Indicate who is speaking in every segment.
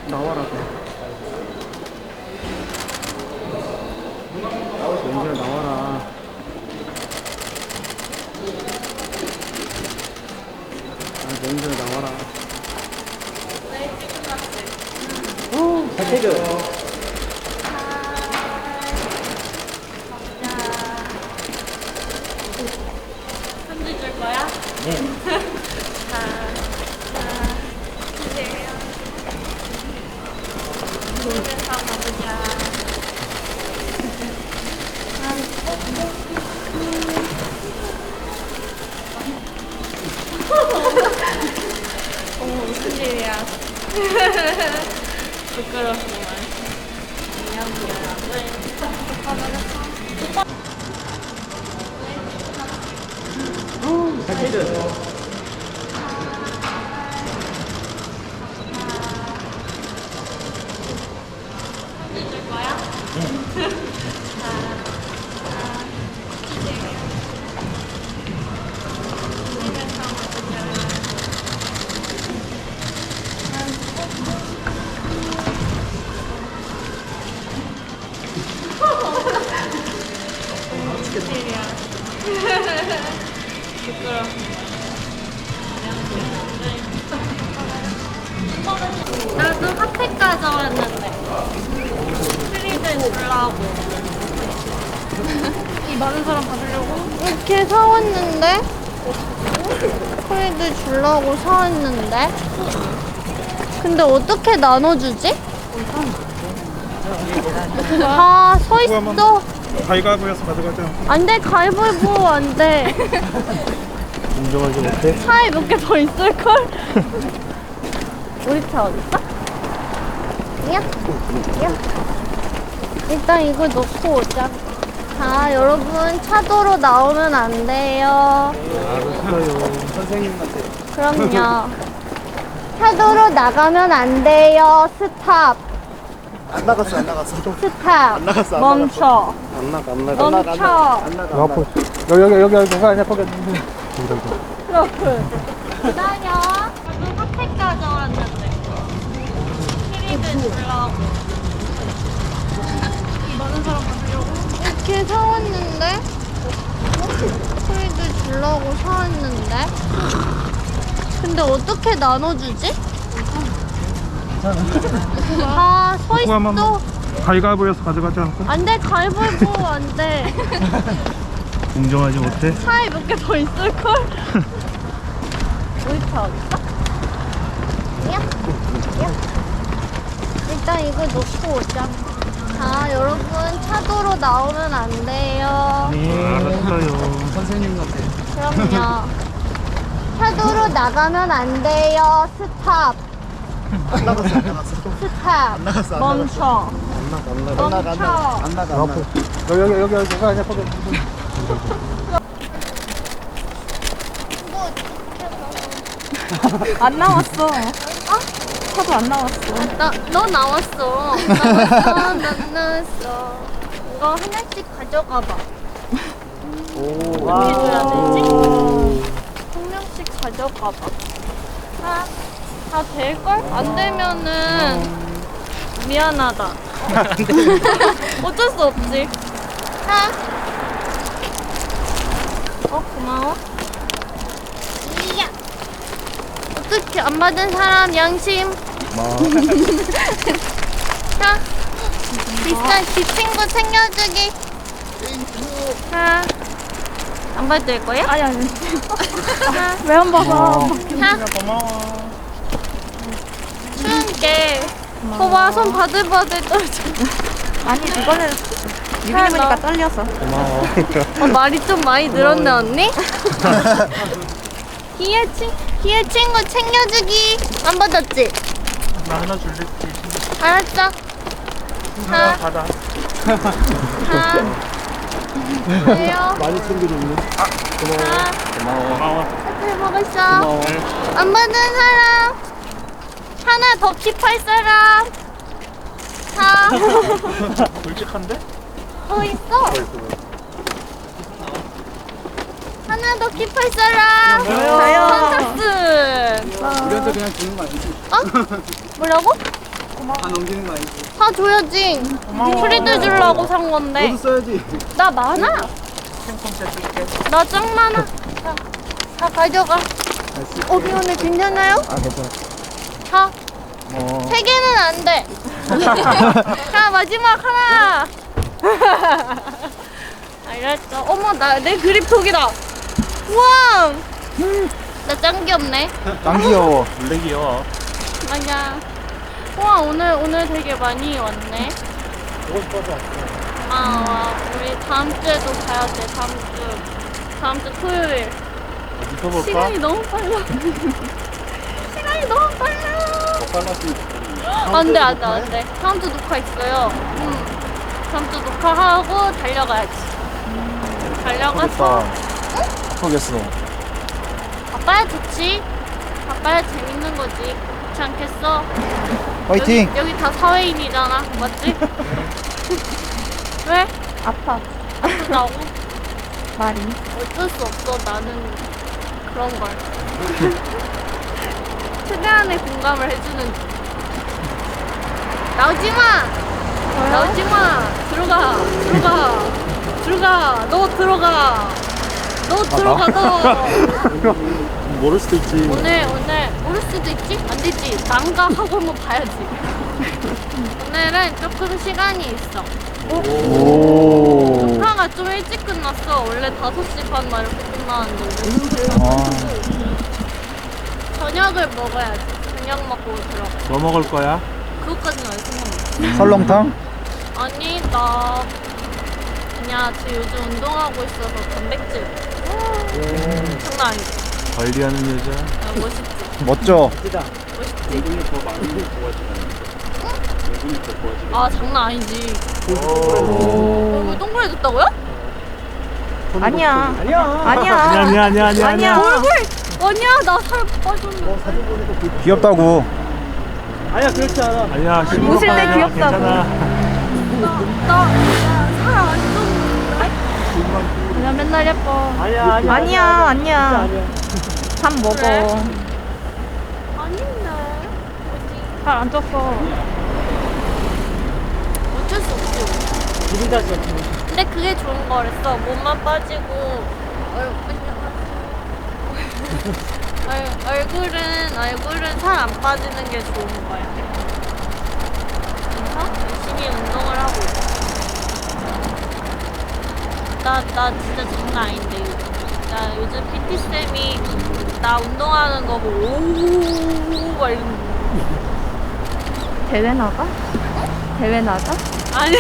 Speaker 1: 나와라. 연주야 나와라. 아, 연주야 나와라. 잘 찍어.
Speaker 2: 편지 줄 거야?
Speaker 1: 네.
Speaker 2: 주세요. 집에서 가보자. 어머, 무슨 일이야. 부끄럽구만. 미안.
Speaker 1: 잘 찍어.
Speaker 2: 편지 줄 거야? 집에서 가보자. 무슨 일이야. 부끄럽구만. 나도 핫팩 가져왔는데 프리들 주려고 이 많은 사람 받으려고
Speaker 3: 이렇게 사왔는데? 프리드 주려고 사왔는데? 근데 어떻게 나눠주지? 다 서있어.
Speaker 4: 가위바위보에서 가져가자.
Speaker 3: 안 돼, 가위바위보 안 돼.
Speaker 1: 인정하지 못해?
Speaker 3: 차에 몇 개 더 있을걸? 우리 차 어딨어? 야, 야. 일단 이거 놓고 오자. 자, 여러분, 차도로 나오면 안 돼요.
Speaker 1: 알았어요. 선생님한테.
Speaker 3: 그럼요. 차도로 나가면 안 돼요. 스탑.
Speaker 5: 안 나갔어, 안 나갔어.
Speaker 3: 스탑.
Speaker 5: 나갔어, 안
Speaker 3: 멈춰.
Speaker 1: 안 나가, 안 나가.
Speaker 3: 멈춰.
Speaker 5: 안 나가.
Speaker 1: 앞으로. 여기, 그거 아니야, 거기.
Speaker 3: 트러플. 기다려. 나도 핫팩 가져왔는데.
Speaker 2: 프리들 주려고 이 많은 사람 받으려고
Speaker 3: 이렇게 사왔는데? 프리드 주려고 사왔는데? 근데 어떻게 나눠주지? 다 서있어.
Speaker 4: 가위바위보에서 가져가자.
Speaker 3: 안 돼, 가위바위보 안 돼.
Speaker 4: 인정하지 못해.
Speaker 3: 차에 몇 개 더 있을걸? 우리 차 어딨어? 야, 야. 일단 이거 놓고 오자. 자, 여러분, 차도로 나오면 안 돼요.
Speaker 4: 알았어요.
Speaker 1: 선생님한테.
Speaker 3: 그럼요. 차도로 나가면 안 돼요. 스탑.
Speaker 5: 안 나갔어, 안 나갔어.
Speaker 3: 스탑.
Speaker 5: 나갔어, 안
Speaker 3: 멈춰.
Speaker 1: 안 나가, 안
Speaker 5: 안
Speaker 1: 나가.
Speaker 5: 나가, 안 나가. 안 나가, 안 나가.
Speaker 1: 여기, 그거 아니야, 거기.
Speaker 2: 안 나왔어. 차도 안 나왔어.
Speaker 3: 너 나왔어. 난 나왔어. 이거 하나씩 가져가봐. 어떻게 줘야 되지? 한 명씩 가져가봐. 다 될걸? 안 되면은 미안하다. 어쩔 수 없지. 고마워. 이야. 어떻게 안 받은 사람 양심. 자, 비싼 지 친구 챙겨주기. 자, 안 받을 거야?
Speaker 2: 아니.
Speaker 3: 자,
Speaker 2: 왜 안 받아?
Speaker 3: 자,
Speaker 4: 고마워.
Speaker 3: 추운 게. 봐봐, 손 바들바들 떨어져.
Speaker 2: 아니, 이거는 유빈이니까 떨려서.
Speaker 1: 고마워.
Speaker 3: 말이 좀 많이 늘었네, 언니? 기회 친구 챙겨주기. 안 받았지?
Speaker 4: 나 하나 줄래?
Speaker 3: 알았어.
Speaker 4: 하나 받아.
Speaker 3: 왜요?
Speaker 1: 많이 챙겨줬네. 고마워.
Speaker 4: 고마워.
Speaker 3: 잘 먹었어.
Speaker 1: 고마워.
Speaker 3: 안 받은 사람. 하나 더 킵할 사람. 자,
Speaker 4: 솔직한데?
Speaker 3: 더 있어. 하나 더 킵할 사람.
Speaker 2: 저요.
Speaker 3: 선착순.
Speaker 5: 우리한테 그냥 주는 거 아니지?
Speaker 3: 어? 뭐라고?
Speaker 5: 다 넘기는 거 아니지?
Speaker 3: 다 줘야지. 프리드 주려고 산 건데.
Speaker 5: 너도 써야지.
Speaker 3: 나 많아.
Speaker 4: 핑퐁 세줄게.
Speaker 3: 나 짱 많아. 자, 다 가져가. 미안해. 괜찮아요?
Speaker 5: 아 괜찮아.
Speaker 3: 자, 3개는 안 돼. 자, 마지막 하나. 알았어. 어머, 내 그립톡이다. 우와. 나 짱 귀엽네.
Speaker 5: 짱 귀여워.
Speaker 4: 원래 귀여워.
Speaker 3: 맞아. 우와, 오늘 되게 많이 왔네.
Speaker 5: 보고 싶어서 왔어.
Speaker 3: 와, 우리 다음 주에도 가야 돼. 다음 주 토요일.
Speaker 4: 믿어볼까?
Speaker 3: 시간이 너무 빨라. 시간이 너무 빨라. 안 돼. 다음 주 녹화 있어요. 다음 주 녹화하고 달려가야지. 달려가서
Speaker 5: 모르겠어.
Speaker 3: 바빠야 좋지. 바빠야 재밌는 거지. 그렇지 않겠어?
Speaker 5: 화이팅!
Speaker 3: 여기 다 사회인이잖아. 맞지? 왜?
Speaker 2: 아파.
Speaker 3: 아프다고?
Speaker 2: 말이.
Speaker 3: 어쩔 수 없어. 나는 그런 걸. 최대한의 공감을 해주는 중. 나오지 마! 나오지 마! 들어가! 너 들어가! 너!
Speaker 5: 모를 수도 있지.
Speaker 3: 오늘 모를 수도 있지? 안 되지. 난가 하고 한번 봐야지. 오늘은 조금 시간이 있어.
Speaker 5: 오.
Speaker 3: 녹화가 좀 일찍 끝났어. 원래 5시 반 막 이렇게 끝나는데. 저녁을 먹어야지. 저녁 먹고 들어가.
Speaker 4: 뭐 먹을 거야?
Speaker 3: 그것까지는 알 생각 없어.
Speaker 5: 설렁탕?
Speaker 3: 아니, 나 그냥 요즘 운동하고 있어서 단백질. 장난 아니지?
Speaker 4: 관리하는 여자.
Speaker 3: 멋있지?
Speaker 5: 멋져.
Speaker 3: 아, 장난 아니지? 얼굴 동그래졌다고요?
Speaker 2: 아니야. 아니야.
Speaker 4: 아니야.
Speaker 3: 얼굴! 아니야, 나 살 빠졌는데.
Speaker 5: 귀엽다고.
Speaker 1: 아니야, 그렇지 않아.
Speaker 4: 아니야.
Speaker 2: 웃을 때 귀엽다고.
Speaker 4: 괜찮아.
Speaker 3: 나살 안 쪘는데?
Speaker 2: 그냥 맨날 예뻐.
Speaker 1: 아니야.
Speaker 2: 아니야. 밥 먹어.
Speaker 3: 그래? 아닌데.
Speaker 2: 잘 안 쪘어.
Speaker 3: 어쩔 수 없지.
Speaker 1: 기분 탓이야, 기분.
Speaker 3: 근데 그게 좋은 거랬어. 몸만 빠지고 얼굴은 살 안 빠지는 게 좋은 거야. 그래서 열심히 운동을 하고 있어. 나 진짜 장난 아닌데 요즘. 나 요즘 PT쌤이 나 운동하는 거 보고 오오오오 막 이러는 거.
Speaker 2: 대회 나가? 대회 나가?
Speaker 3: 아니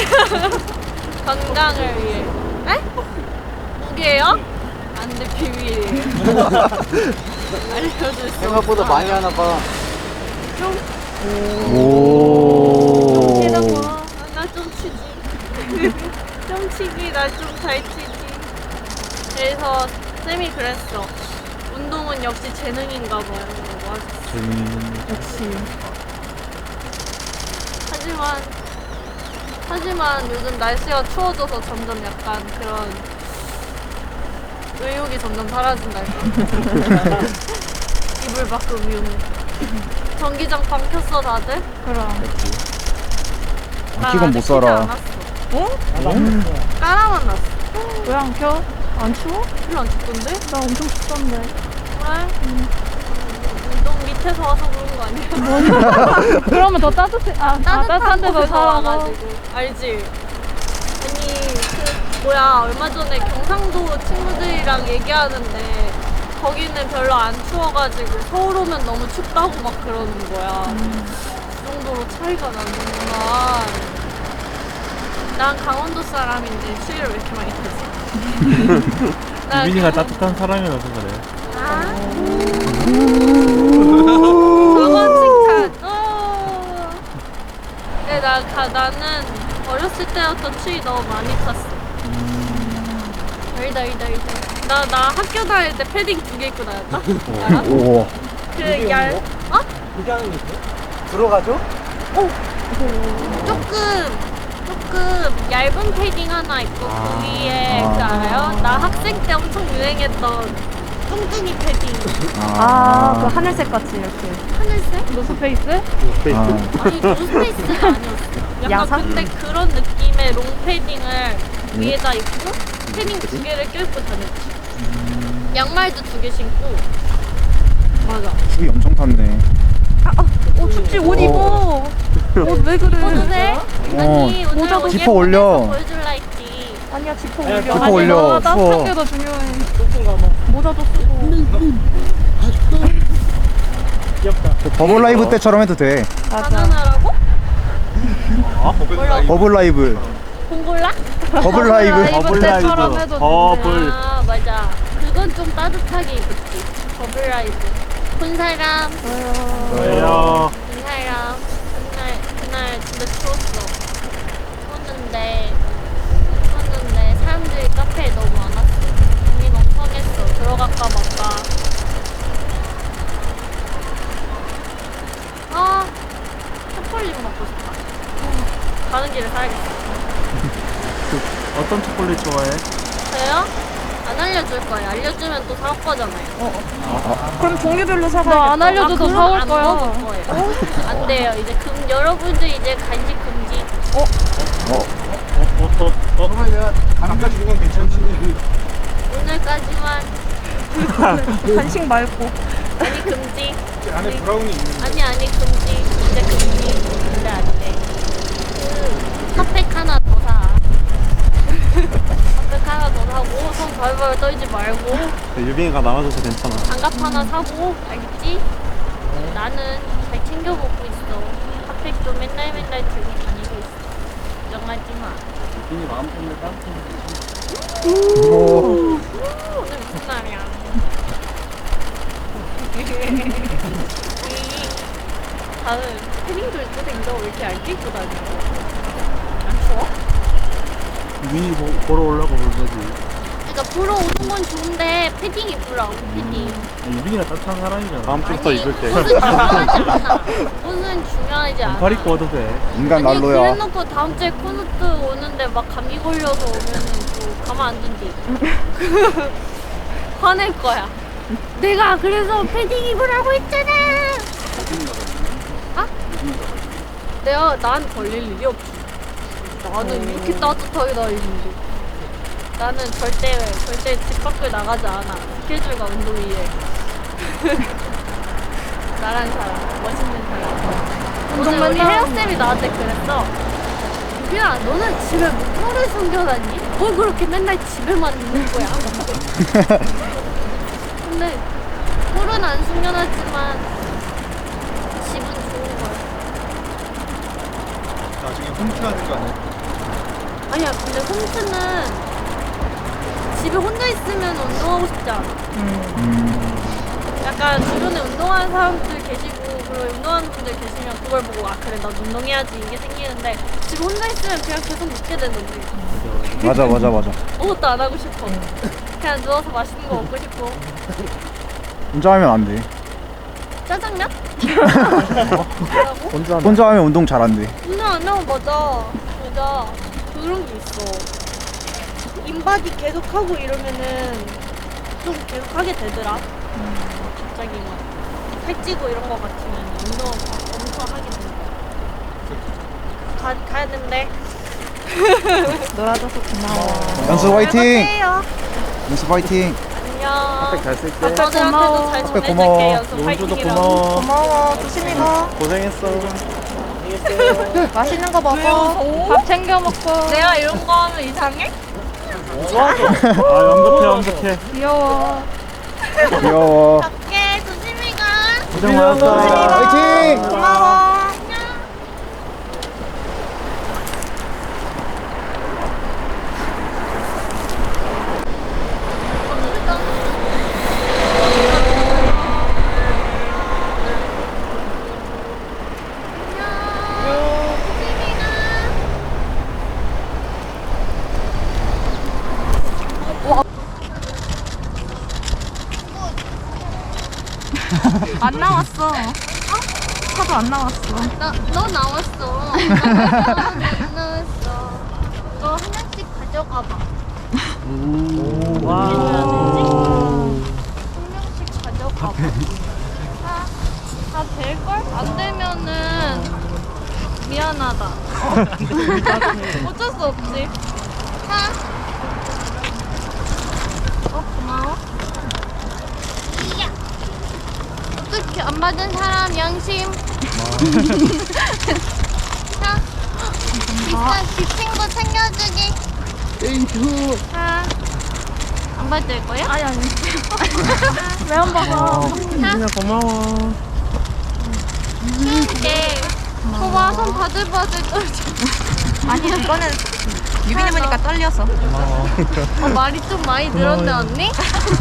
Speaker 3: 건강을 위해. 에? 무게요? 안돼 비밀이에요. 알려줄 수
Speaker 5: 생각보다
Speaker 3: 없어.
Speaker 5: 많이 하나 봐.
Speaker 3: 좀
Speaker 5: 오.
Speaker 3: 나좀 치지. 좀 치기 나 좀 잘 치지. 그래서 쌤이 그랬어. 운동은 역시 재능인가 봐요. 맞아.
Speaker 2: 역시.
Speaker 3: 하지만 요즘 날씨가 추워져서 점점 약간 그런 의욕이 점점 사라진달까. 이불 밖으로 미우는. 전기장판 켰어 다들?
Speaker 2: 그럼.
Speaker 5: 키곤 못 살아.
Speaker 2: 어?
Speaker 3: 까라만 났어.
Speaker 2: 왜 안 켜? 안 추워?
Speaker 3: 별로 안 춥던데?
Speaker 2: 나 엄청 춥던데.
Speaker 3: 그래? 운동 밑에서 와서 그런 거 아니야?
Speaker 2: 그러면 더 따뜻해. 따뜻한 데서
Speaker 3: 곳에서
Speaker 2: 살아.
Speaker 3: 와가지고 알지? 아니 얼마 전에 경상도 친구들이랑 얘기하는데 거기는 별로 안 추워가지고 서울 오면 너무 춥다고 막 그러는 거야. 그 정도로 차이가 나는구나. 난 강원도 사람인데 추위를 왜 이렇게 많이 타지?
Speaker 4: 유빈이가 따뜻한 사람이라서 그래.
Speaker 3: 저건 칭찬. 근데 나는 어렸을 때부터 추위 너무 많이 탔어. 알다. 나 학교 다닐 때 패딩 2개 입고 다녔다. 알아?
Speaker 5: 오.
Speaker 1: 그게 하는 게 있어?
Speaker 5: 들어가죠?
Speaker 3: 조금 얇은 패딩 하나 입고 그 위에 그 알아요? 나 학생 때 엄청 유행했던 뚱뚱이 패딩.
Speaker 2: 그 하늘색 같이 이렇게.
Speaker 3: 하늘색?
Speaker 2: 노스페이스?
Speaker 3: 아니 노스페이스가 아니었어. 약간
Speaker 2: 야상?
Speaker 3: 근데 그런 느낌의 롱 패딩을 위에다 입고 패딩 2개를 껴입고 다녔지. 양말도 2개 신고. 맞아.
Speaker 5: 습이 엄청 탔네.
Speaker 2: 춥지 옷 입어. 옷 왜 그래?
Speaker 3: 입어도 돼? 아니 오늘
Speaker 2: 모자도
Speaker 3: 옷
Speaker 5: 지퍼
Speaker 3: 예쁘게
Speaker 5: 올려.
Speaker 3: 해서 보여줄라 했지.
Speaker 2: 아니야 지퍼
Speaker 1: 아니야,
Speaker 2: 올려.
Speaker 1: 지퍼
Speaker 2: 아니,
Speaker 5: 올려.
Speaker 2: 너 따뜻한
Speaker 5: 추워.
Speaker 2: 게 더 중요해.
Speaker 1: 높은 거 뭐.
Speaker 2: 모자도 쓰고.
Speaker 1: 귀엽다.
Speaker 5: 버블 라이브 때처럼 해도 돼.
Speaker 2: 맞아.
Speaker 3: 바나나라고?
Speaker 5: 버블 라이브.
Speaker 3: 봉골라?
Speaker 5: 버블 라이브.
Speaker 4: 버블
Speaker 2: 때처럼
Speaker 4: 라이브.
Speaker 2: 해도
Speaker 4: 버블.
Speaker 3: 아 맞아. 그건 좀 따뜻하게 입었지. 버블라이브. 본 사람.
Speaker 4: 왜요?
Speaker 3: 본 사람. 그날 진짜 추웠어. 추웠는데 사람들이 카페에 너무 많았어. 고민 엄청 했어. 들어갈까 말까. 아 초콜릿 먹고 싶다. 가는 길에 사야겠어.
Speaker 4: 어떤 초콜릿 좋아해?
Speaker 3: 저요? 안 알려줄 거예요. 알려주면 또 사올 거잖아요.
Speaker 2: 그럼 종류별로 사가. 너안 알려줘도
Speaker 3: 그럼
Speaker 2: 사올
Speaker 3: 안
Speaker 2: 거야.
Speaker 3: 먹을 거예요. 안 돼요. 이제 여러분들 이제 간식 금지.
Speaker 5: 그러면 내가 안까지 주건 괜찮지.
Speaker 3: 오늘까지만.
Speaker 2: 간식 말고.
Speaker 3: 아니 금지.
Speaker 5: 안에 브라우니 있는.
Speaker 3: 아니 금지. 이제 금지. 근데 안 돼. 그 핫팩 하나 더 사. 핫팩 하나 더 사고 손 발발 떨지 말고
Speaker 4: 유빈이가 나와줘서 괜찮아.
Speaker 3: 장갑 하나 사고 알겠지? 나는 잘 챙겨 먹고 있어. 핫팩도 맨날 들고 다니고 있어. 걱정하지 마.
Speaker 1: 유빈이 마음 때문에 따뜻한
Speaker 5: 오.
Speaker 3: 오늘 무슨 날이야? 다음 패딩도 입고 댕겨. 왜 이렇게 얇게 입고 다녀? 안 추워?
Speaker 4: 유빈이 보러 오려고 그런 거지.
Speaker 3: 그러니까 보러 오는 건 좋은데 패딩 입으라고 패딩.
Speaker 4: 유빈이가 따뜻한 사람이잖아. 다음
Speaker 3: 아니, 옷은 중요하지 않아. 옷은 중요하지 않아.
Speaker 4: 반팔 입고 와도 돼.
Speaker 5: 인간
Speaker 3: 아니
Speaker 5: 난로야.
Speaker 3: 그래놓고 다음 주에 콘서트 오는데 막 감기 걸려서 오면은 또 가만 안 둔디. 화낼 거야. 내가 그래서 패딩 입으라고 했잖아. 아? 내가 난 걸릴 일이 없지. 나는 이렇게 따뜻하게 다니는데. 나는 절대 집 밖을 나가지 않아. 스케줄과 운동이에. 나란 사람, 멋있는 사람. 오늘 우리 헤어쌤이 나한테 그랬어. 유빈아, 너는 집에 뭐를 숨겨놨니? 뭘 그렇게 맨날 집에만 있는 거야? 근데 꼴은 안 숨겨놨지만 집은 좋은 거야.
Speaker 5: 나중에 홈트하는 거 아니야?
Speaker 3: 아니야, 근데 홈트는 집에 혼자 있으면 운동하고 싶지 않아. 약간 주변에 운동하는 사람들 계시고 그리고 운동하는 분들 계시면 그걸 보고 아 그래 나도 운동해야지 이게 생기는데 집에 혼자 있으면 그냥 계속 눕게 되는 거지.
Speaker 5: 맞아.
Speaker 3: 아무것도 안 하고 싶어. 그냥 누워서 맛있는 거 먹고 싶고.
Speaker 5: 혼자 하면 안 돼.
Speaker 3: 짜장면? 뭐라고?
Speaker 5: 혼자 하면 운동 잘 안 돼.
Speaker 3: 운동 안 하면 맞아. 그런 게 있어. 인바디 계속 하고 이러면은 좀 계속 하게 되더라. 갑자기 막 살찌고 이런 거 같으면 운동 엄청 하게 된다. 가야 된대.
Speaker 2: 놀아줘서 고마워.
Speaker 5: 연수 화이팅!
Speaker 3: 해요.
Speaker 5: 연수 화이팅!
Speaker 3: 안녕.
Speaker 4: 잘 쓸게.
Speaker 3: 저들한테도 잘
Speaker 5: 핫팩 고마워.
Speaker 3: 전해줄게. 연습
Speaker 4: 용주도
Speaker 3: 파이팅이라고.
Speaker 4: 고마워.
Speaker 2: 고마워. 조심히 가.
Speaker 4: 고생했어.
Speaker 2: 맛있는 거 먹어. 밥 챙겨 먹고.
Speaker 3: 내가 이런 거 하면 이상해?
Speaker 4: 완벽해.
Speaker 2: 귀여워.
Speaker 5: 귀여워.
Speaker 3: 갈게. 조심히 가.
Speaker 4: 고생 많았어.
Speaker 5: 화이팅!
Speaker 2: 고마워. 안 나왔어. 차도 안 나왔어.
Speaker 3: 너 나왔어. 안 나왔어. 너 하나씩 가져가 봐.
Speaker 4: 와.
Speaker 3: 다 될걸? 안 되면은 미안하다. 어쩔 수 없지. 고마워. 이야. 어떻게 안 받은 사람 양심. 자, 일단 그 친구 챙겨주기.
Speaker 1: 땡큐.
Speaker 3: 자, 안 받을 거야?
Speaker 2: 아니. 왜 안 받아?
Speaker 4: 유빈아 고마워.
Speaker 3: 네. 저봐 손 바들바들 떨지.
Speaker 2: 아니 이거는 유빈이 보니까 떨려서.
Speaker 3: 말이 좀 많이 늘었네 언니?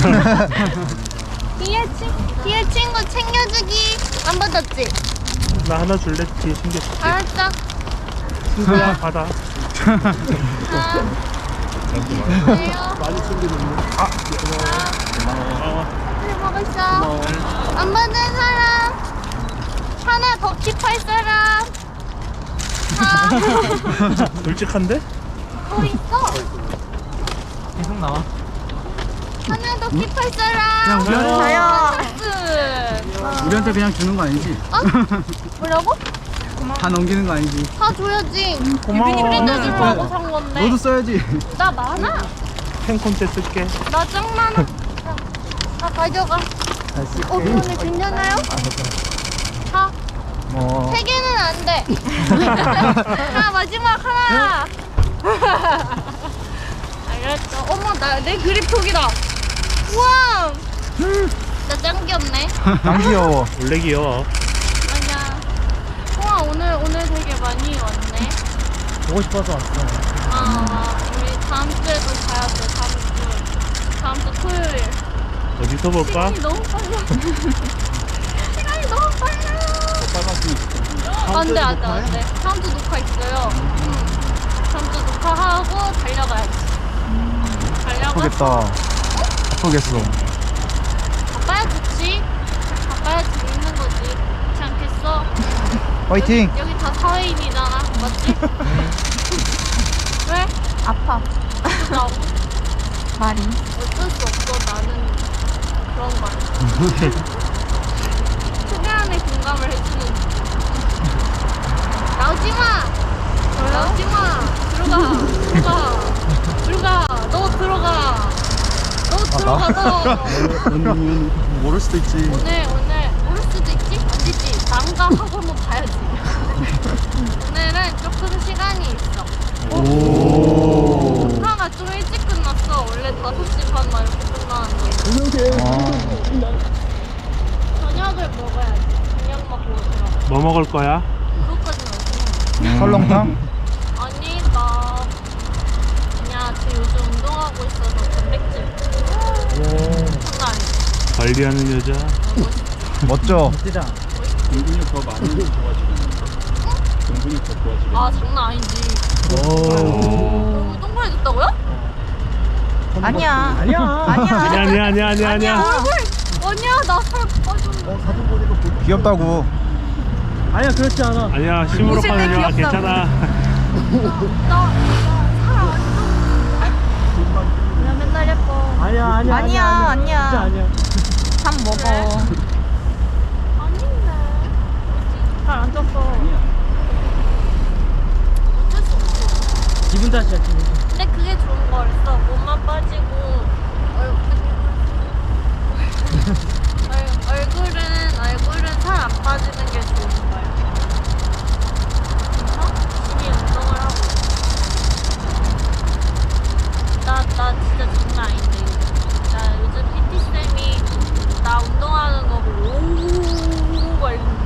Speaker 3: 뒤에 친구 챙겨주기. 안 받았지?
Speaker 4: 나 하나 줄래? 뒤에 챙겨줄게.
Speaker 3: 알았어.
Speaker 4: 친구야 받아.
Speaker 3: 그래요.
Speaker 1: 많이 챙겨줬네.
Speaker 3: 잘 먹었어. 안 받은 사람 하나 더 킵할 사람.
Speaker 4: 솔직한데?
Speaker 3: 더 있어.
Speaker 1: 계속 나와.
Speaker 3: 하나 더 킵할 사람.
Speaker 2: 자요.
Speaker 3: 끝.
Speaker 1: 우리한테 그냥 주는 거 아니지?
Speaker 3: 어? 뭐라고?
Speaker 1: 다 넘기는 거 아니지?
Speaker 3: 다 줘야지.
Speaker 4: 고마워.
Speaker 3: 우리도 주려고 산 건데.
Speaker 1: 너도 써야지.
Speaker 3: 나 많아.
Speaker 4: 캔콘테 쓸게.
Speaker 3: 나 짱 많아. 다 가져가. 오늘 괜찮아요? 다.
Speaker 5: 뭐
Speaker 3: 세 개는 안 돼. 자, 마지막 하나. 알았어. 어머, 내 그립 톡이다. 우와. 나 짱 귀엽네.
Speaker 5: 안 귀여워.
Speaker 4: 원래 귀여워.
Speaker 3: 맞아. 우와, 오늘 되게 많이 왔네.
Speaker 1: 보고 싶어서 왔어.
Speaker 3: 우리 다음 주에도 가야 돼. 다음 주 토요일.
Speaker 4: 어디서 볼까?
Speaker 3: 시간이 너무 빨라. 시간이 너무 빨라. 안 돼. 다음 주 녹화 있어요. 다음 주 녹화하고 달려가야지. 달려가서
Speaker 5: 아프겠다. 아프겠어.
Speaker 3: 바빠야 좋지. 바빠야 재밌는 거지. 그렇지 않겠어?
Speaker 5: 화이팅.
Speaker 3: 여기 다 사회인이잖아. 맞지? 왜?
Speaker 2: 아파.
Speaker 3: 나고
Speaker 2: 말이.
Speaker 3: 어쩔 수 없어. 나는 그런 걸. 최대한의 공감을 해주는. 나오지 마. 나오지 마. 들어가. 너 들어가. 너.
Speaker 1: 언니는
Speaker 5: 모를 수도 있지.
Speaker 3: 오늘 모를 수도 있지? 안 되지. 난가 하고 한번 봐야지. 오늘은 조금 시간이 있어. 녹화가 좀 일찍 끝났어. 원래 5시 반 막 이렇게 끝나는데. 저녁을 먹어야지. 저녁 먹고 들어가.
Speaker 4: 뭐 먹을 거야?
Speaker 3: 그것까지는 없어.
Speaker 5: 설렁탕?
Speaker 3: 아니 나 그냥 요즘 운동하고 있어서 단백질 장난 아니야.
Speaker 4: 관리하는 여자.
Speaker 5: 멋져.
Speaker 1: 진짜. 공분이 더 많이 좋아지겠는데? 공분이 더 좋아지겠는데?
Speaker 3: 아 장난 아니지.
Speaker 4: 오.
Speaker 3: 너무 똥파해졌다고요?
Speaker 2: 아니야.
Speaker 1: 아니야.
Speaker 4: 아니야.
Speaker 3: 아니야 나 살 빠졌네.
Speaker 5: 귀엽다고.
Speaker 1: 아니야, 그렇지 않아.
Speaker 4: 아니야 심으로
Speaker 2: 웃을 때
Speaker 4: 파는 영화
Speaker 2: 귀엽다고.
Speaker 4: 괜찮아.
Speaker 3: 나 맨날 예뻐.
Speaker 1: 아니야.
Speaker 2: 아니야.
Speaker 1: 진짜 아니야.
Speaker 2: 밥 먹어.
Speaker 3: 아닌데. 잘 안 쪘어. 어쩔 수 없어.
Speaker 1: 기분 탓이야, 기분 탓.
Speaker 3: 근데 그게 좋은 거였어. 몸만 빠지고 얼굴은 살 안 빠지는 게 좋은 거야. 그래서 열심히 운동을 하고 나 진짜 장난 아닌데. 나 요즘 PT쌤이 나 운동하는 거 보고 오oo 막 이러는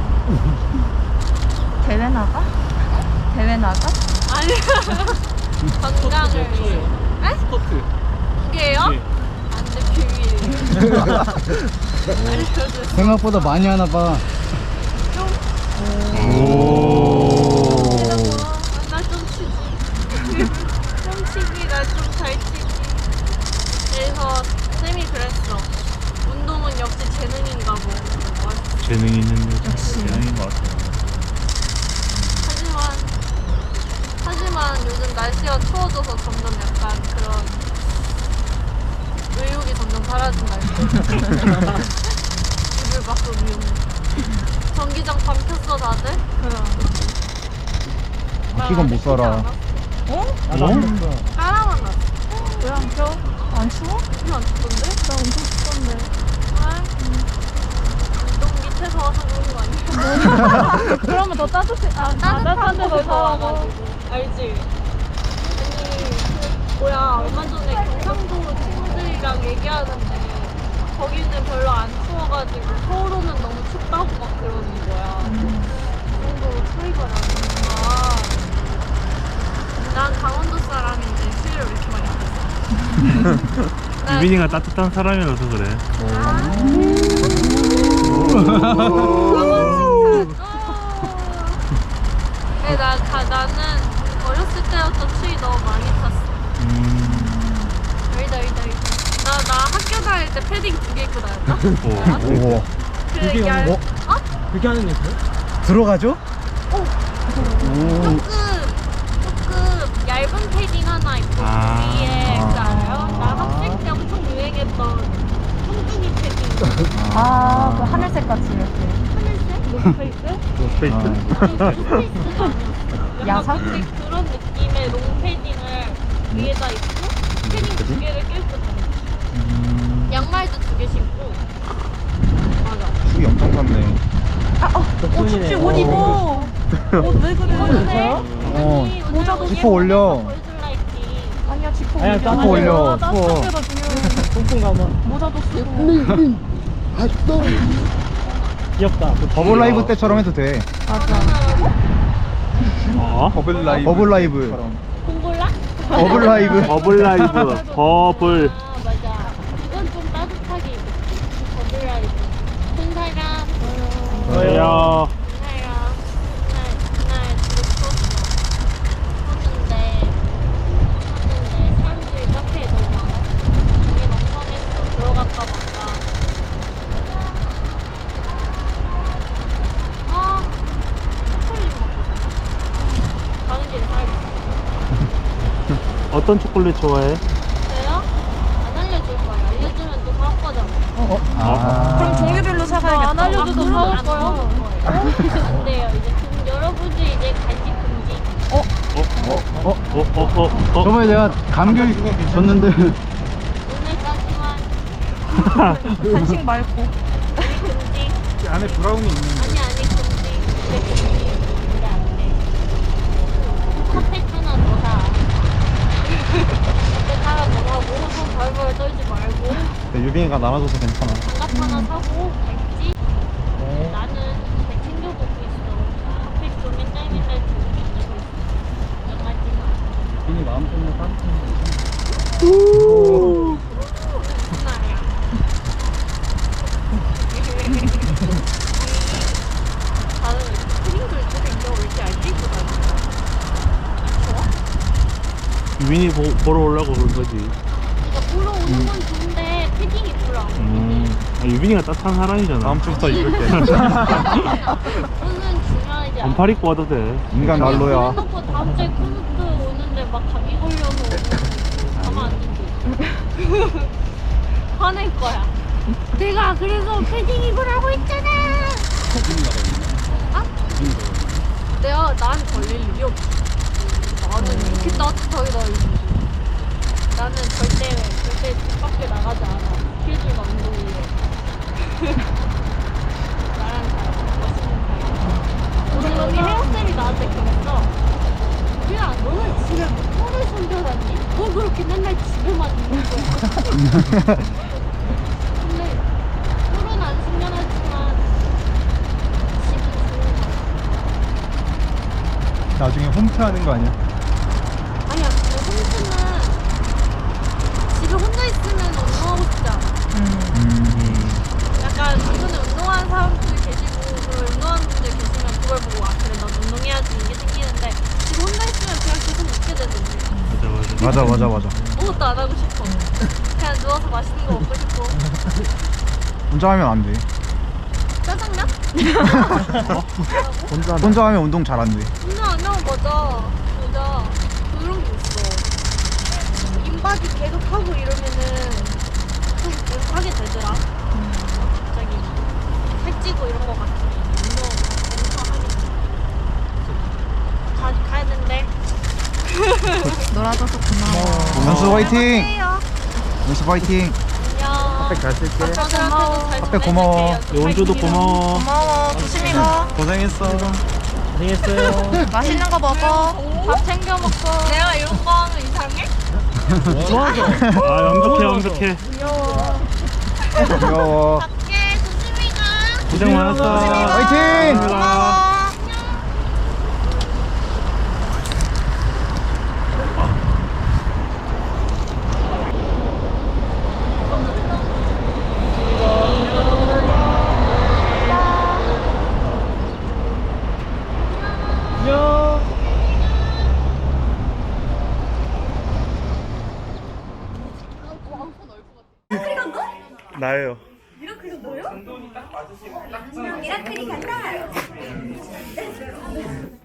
Speaker 2: 대회 나가? 대회 나가?
Speaker 3: 아니야. 건강을 위해. 에?
Speaker 1: 스쿼트.
Speaker 3: 이게요?
Speaker 1: 네.
Speaker 3: 안돼 비밀. 알려줘.
Speaker 5: 생각보다 많이 하나 봐.
Speaker 3: 나좀 치지. 좀 치기, 나 좀 잘 치기. 그래서 쌤이 그랬어. 운동은 역시 재능인가 뭐.
Speaker 4: 재능이 있는 여자. 재능인 것 같아.
Speaker 3: 하지만 요즘 날씨가 추워져서 점점 약간 그런 의욕이 점점 사라진다. 켰어 다들?
Speaker 5: 이건 못 살아.
Speaker 3: 까라만 났어.
Speaker 2: 왜 안 켜? 안 추워?
Speaker 3: 이거 안 춥던데?
Speaker 2: 나 엄청 춥던데.
Speaker 3: 너 밑에서 와서 그런 거 아니야?
Speaker 2: 그러면 더 따뜻해. 따뜻한 데서 사와가지고.
Speaker 3: 알지? 아니 얼마 전에 경상도 친구들이랑 얘기하는데 거기는 별로 안 추워가지고 서울은 너무 춥다고 막 그러는 거야. 그 정도로 차이가 나는구나. 난 강원도 사람인데 추위를 왜 이렇게 많이 안
Speaker 4: 유빈이가 따뜻한 사람이라서 그래.
Speaker 3: 네, 나는 어렸을 때부터 추위 너무 많이 탔어. 알다. 나 학교 다닐 때 패딩 2개 입고 다녔다.
Speaker 5: 오.
Speaker 3: 그 얇... 어?
Speaker 1: 그렇게 하는 애 있어요?
Speaker 5: 들어가죠?
Speaker 3: 조금 얇은 패딩 하나 입고 위에 그 알아요? 나 학생 때 엄청 유행했던 뚱뚱이 패딩.
Speaker 2: 그 하늘색 같이 이렇게.
Speaker 3: 하늘색? 노스페이스?
Speaker 2: 야상?
Speaker 3: 그런 느낌의 롱패딩을 위에다 입고 패딩 2개를 껴입고 다녔어. 양말도 2개 신고. 맞아.
Speaker 5: 추위 엄청 탔네.
Speaker 2: 춥지 옷 입어. 옷 왜 그래?
Speaker 3: 아니,
Speaker 2: 모자도
Speaker 5: 지퍼 올려.
Speaker 2: 아니야 지퍼
Speaker 1: 아니야,
Speaker 2: 올려.
Speaker 1: 지퍼
Speaker 5: 올려,
Speaker 2: 따뜻한
Speaker 5: 추워.
Speaker 2: 데가 중요해.
Speaker 1: 똥똥 가마.
Speaker 2: 모자도 쓰고.
Speaker 1: 귀엽다.
Speaker 5: 버블 라이브 때처럼 해도 돼. 버블 라이브. 버블 라이브.
Speaker 3: 공골라?
Speaker 5: 버블 라이브.
Speaker 4: 버블 라이브. 버블.
Speaker 3: 아 맞아. 이건 좀 따뜻하게 입었지. 버블라이브. 큰 사람.
Speaker 4: 저요.
Speaker 3: 그날 진짜 추웠는데 사람들이 카페에 너무 많아. 여기 멍청해서 들어갈까 말까. 초콜릿 먹고 싶어. 가는 길에 사야겠어.
Speaker 4: 어떤 초콜릿 좋아해?
Speaker 3: 저요? 안 알려줄 거예요. 알려주면 또 사올 거잖아.
Speaker 2: 그럼 종류별로 사가야겠다.
Speaker 3: 안 알려줘도 사올 거예요. 안 돼요. 이제 여러분들 이제 간식 금지.
Speaker 5: 저번에 내가 감귤 줬는데
Speaker 3: 오늘까지만
Speaker 2: 간식 말고.
Speaker 3: 금지.
Speaker 1: 안에 브라운이 있는데.
Speaker 3: 아니 금지. 이제 금지. 이제 안 돼. 컵팩 하나 더 사. 컵팩 하나 더 사고 손 벌벌 떨지 말고
Speaker 5: 유빈이가 나눠줘서 괜찮아.
Speaker 3: 장갑 하나 사고 알지? 나는 배 챙겨보고 있어. 컵팩 좀 맨날 들고 있고 있어. 걱정하지 마.
Speaker 1: 괜히 마음 때문에 따뜻한
Speaker 3: 무슨 말이야? 다들 패딩도 입고 다니고 왜 이렇게 얇게 입고 다니냐? 좋아?
Speaker 4: 유빈이 보러 오려고 그런 거지.
Speaker 3: 그러니까 보러 오는 건 좋은데 패딩 입으라고.
Speaker 4: 유빈이가 따뜻한 사람이잖아.
Speaker 5: 다음 주부터 입을게.
Speaker 3: 옷은 중요하지 않아.
Speaker 4: 반팔 입고 와도 돼.
Speaker 5: 인간 난로야.
Speaker 3: 그래놓고 다음 주에 콘서트 오는데 막 감기 걸려서 오는 거 가만 안 둔대. 화낼 거야. 내가 그래서 패딩 입으라고 했잖아. 아? 내가 난 걸릴 일이 없어. 나는 이렇게 따뜻하게 다니는데. 나는 절대 집 밖에 나가지 않아. 스케줄과 운동을. 나랑 잘 멋있는 사이. 오늘 여기 헤어쌤이 나한테 그랬어. 야, 너는 집에 폰을 숨겨놨니? 뭐 그렇게 맨날 집에만 있는 거야? 근데 폰은 안 숨겨놨지만 집은 좋은 거야.
Speaker 5: 나중에 홈트하는 거 아니야?
Speaker 3: 아니야, 근데 홈트는 집에 혼자 있으면 운동하고 싶지 않아. 약간 주변에 운동하는 사람들이 계시고 그걸 운동하는 분들 계시면 그걸 보고 아 그래 나 운동해야지 이게 생기는데 집에 혼자 있으면 그냥 계속 눕게 되던데.
Speaker 5: 맞아.
Speaker 3: 아무것도 안 하고 싶어. 그냥 누워서 맛있는 거 먹고 싶고.
Speaker 5: 혼자 하면 안 돼.
Speaker 3: 짜장면?
Speaker 5: 혼자 하면 운동 잘 안 돼.
Speaker 3: 운동 안 하고 맞아. 그런 게 있어. 인바디 계속 하고 이러면은 좀 계속 하게 되더라. 갑자기 살찌고 이런 거 같으면 운동 엄청
Speaker 2: 놀아줘서 고마워.
Speaker 5: 연수 화이팅! 연수 화이팅!
Speaker 3: 안녕.
Speaker 5: 잘 쓸게.
Speaker 3: 고마워.
Speaker 5: 앞에 고마워.
Speaker 4: 연주도 고마워.
Speaker 2: 고마워. 조심히 가.
Speaker 5: 고생했어.
Speaker 4: 고생했어요.
Speaker 2: 맛있는 거 먹어.
Speaker 3: 밥 챙겨 먹고.
Speaker 2: 내가 이런 거 하면 이상해?
Speaker 4: 좋아져. 아, 완벽해, 완벽해.
Speaker 5: 귀여워.
Speaker 3: 갈게. 조심히 가.
Speaker 4: 고생 많았어.
Speaker 5: 화이팅!
Speaker 4: 감사합니다. 나예요.
Speaker 6: 미라클이 간다.